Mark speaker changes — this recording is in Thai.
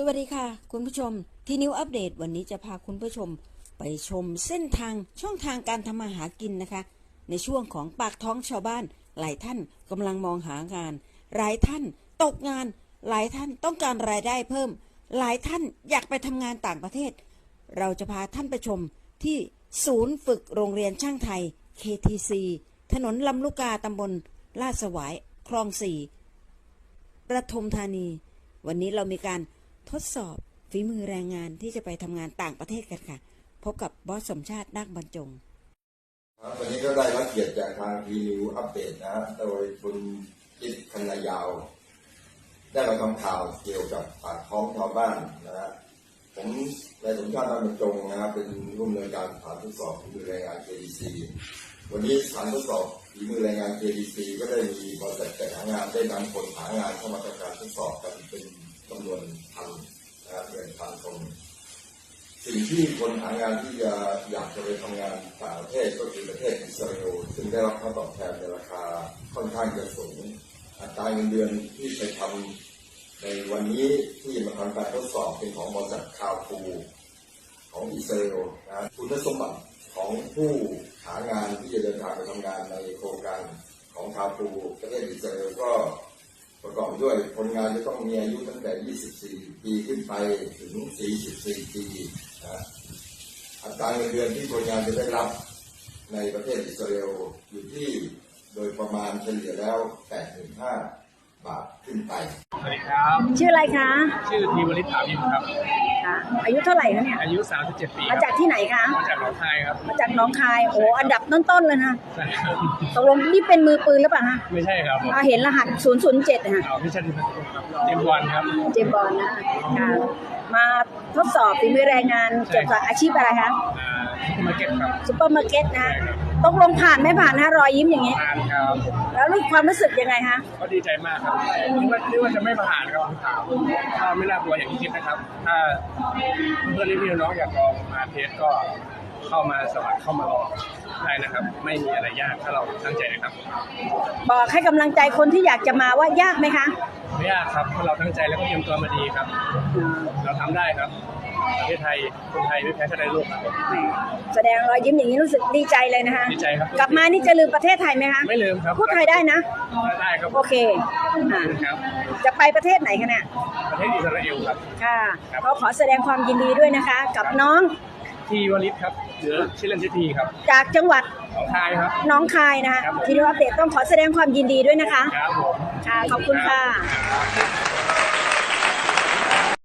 Speaker 1: วัสดีค่ะคุณผู้ชมที่นิวอัปเดตวันนี้จะพาคุณผู้ชมไปชมเส้นทางช่องทางการทำมาหากินนะคะในช่วงของปากท้องชาวบ้านหลายท่านกำลังมองหางานหลายท่านตกงานหลายท่านต้องการรายได้เพิ่มหลายท่านอยากไปทำงานต่างประเทศเราจะพาท่านไปชมที่ศูนย์ฝึกโรงเรียนช่างไทย KTC ถนนลำลูกกาตำบลลาดสวายคลอง 4ปทุมธานีวันนี้เรามีการทดสอบฝีมือแรงงานที่จะไปทำงานต่างประเทศกันค่ะพบกับบอสสมชาตินาคบรรจง
Speaker 2: วันนี้ก็ได้รับเกียรติจากทางทีนิวอัปเดตนะโดยคุณจิตคณยาวได้มาทำข่าวเกี่ยวกับปากท้องชาวบ้านนะฮะผมนายสมชาตินาคบรรจงนะครับเป็นผู้อำนวยการสถานทดสอบฝีมือแรงงาน KTC วันนี้สถานทดสอบฝีมือแรงงาน KTC ก็ได้มีบริษัทจัดหางานได้นำคนหางานเข้ามาทำการทดสอบกันเป็นจำนวนพันนะครับเงินพันคนสิ่งที่คนหางานที่อยากจะไปทำงานต่างประเทศก็คือประเทศอิสราเอลซึ่งได้รับค่าตอบแทนในราคาค่อนข้างจะสูงอัตราเงินเดือนที่ไปทำในวันนี้ที่มาทำการทดสอบเป็นของบริษัทคาฟูของอิสราเอลนะคุณสมบัติของผู้หางานที่จะเดินทางไปทำงานในโครงการของคาฟูประเทศอิสราเอลก็ประกอบด้วยคนงานจะต้องมีอายุตั้งแต่ 24 ปีขึ้นไปถึง 44 ปีนะอัตราเงินเดือนที่คนงานจะได้รับในประเทศอิสราเอลอยู่ที่โดยประมาณเฉลี่ยแล้ว 85,000 บาทขึ้นไป
Speaker 3: สวัสดีครับ
Speaker 1: ชื่ออะไรคะ
Speaker 3: ชื่อธีวริศ ถาวินครับ
Speaker 1: ค่ะอายุเท่าไหร่คะเนี่ย
Speaker 3: อายุ 37 ปี
Speaker 1: มาจากที่ไหนคะ
Speaker 3: มาจากหนองคายครับ
Speaker 1: มาจากหนองคายโอ้อันดับต้นๆเลยนะ
Speaker 3: ใช่ครับ
Speaker 1: ตกลงนี่เป็นมือปืนหรือเปล่าคะ
Speaker 3: ไม่ใช่ครับ
Speaker 1: เห็นรหัส007ค่ะ
Speaker 3: ไม่ใช่ครับเจมส์บอนด์ครับ
Speaker 1: เจมส์บอนด์นะค่ะมาทดสอบฝีมือแรงงานเกี่ยวกับอาชีพอะไรคะ
Speaker 3: ซุปเปอร์มาร์เก็ตครับ
Speaker 1: ซุปเปอร์มาร์เก็ตนะตกลงผ่านไม่ผ่านนะรอยยิ้มอย่างนี้
Speaker 3: ผ่านครับ
Speaker 1: แล้วความรู้สึกยังไงคะ
Speaker 3: ก็ดีใจมากครับนึกว่าจะไม่ผ่านครับข่าวก็ไม่น่ากลัวอย่างที่คิดนะครับถ้าเพื่อนพี่น้องอยากลองมาเทสก็เข้ามาสมัครเข้ามาลองได้นะครับไม่มีอะไรยากถ้าเราตั้งใจนะครับ
Speaker 1: บอกให้กำลังใจคนที่อยากจะมาว่ายากไหมคะ
Speaker 3: ไม่ยากครับถ้าเราตั้งใจแล้วก็เตรียมตัวมาดีครับเราทำได้ครับประเทศไทยคนไทยไม่แพ้ชาติใดโลกครับ
Speaker 1: แสดงรอยยิ้มอย่างนี้รู้สึกดีใจเลยนะคะ
Speaker 3: ดีใจครับ
Speaker 1: กลับมานี่จะลืมประเทศไทยไหมคะ
Speaker 3: ไม่ลืมครับ
Speaker 1: พูดไทยได้นะ
Speaker 3: ได้ครับ
Speaker 1: โอเค
Speaker 3: ครับ
Speaker 1: จะไปประเทศไหนคะเนี่ย
Speaker 3: ประเทศอิสราเอลครับ
Speaker 1: ค่ะเขาขอแสดงความยินดีด้วยนะคะกับน้อง
Speaker 3: ทีวริศครับหรือชื่อเล่นชื่อทีครับ
Speaker 1: จากจังหวัด
Speaker 3: หนองคายครับ
Speaker 1: น้องคายนะคะทีนี้อัปเดตต้องขอแสดงความยินดีด้วยนะคะ
Speaker 3: ครับผม
Speaker 1: ค่ะขอบคุณค่ะ